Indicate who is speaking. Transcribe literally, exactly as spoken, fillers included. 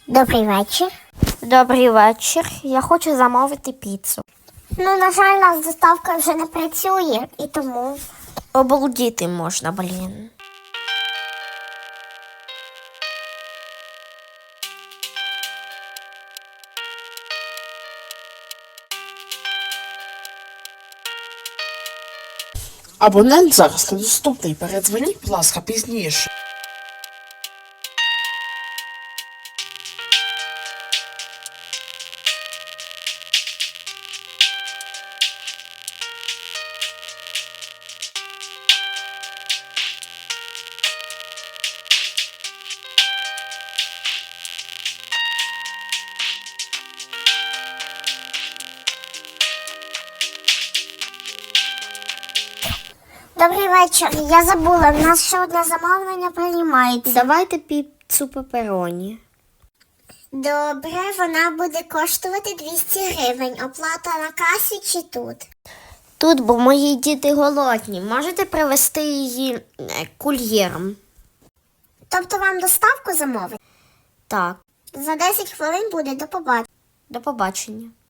Speaker 1: Добрий вечір.
Speaker 2: Добрий вечір. Я хочу замовити піцу.
Speaker 1: Ну, на жаль, у нас доставка вже не працює, і тому...
Speaker 2: Обалдіти можна, блін.
Speaker 3: Абонент зараз недоступний. Передзвоніть, будь ласка, пізніше.
Speaker 1: Добрий вечір. Я забула, в нас ще одне замовлення приймається.
Speaker 2: Давайте піцу пепероні.
Speaker 1: Добре, вона буде коштувати двісті гривень. Оплата на касі чи тут?
Speaker 2: Тут, бо мої діти голодні. Можете привезти її е, кур'єром?
Speaker 1: Тобто вам доставку замовити?
Speaker 2: Так,
Speaker 1: За десять хвилин буде, до побачення.
Speaker 2: до побачення.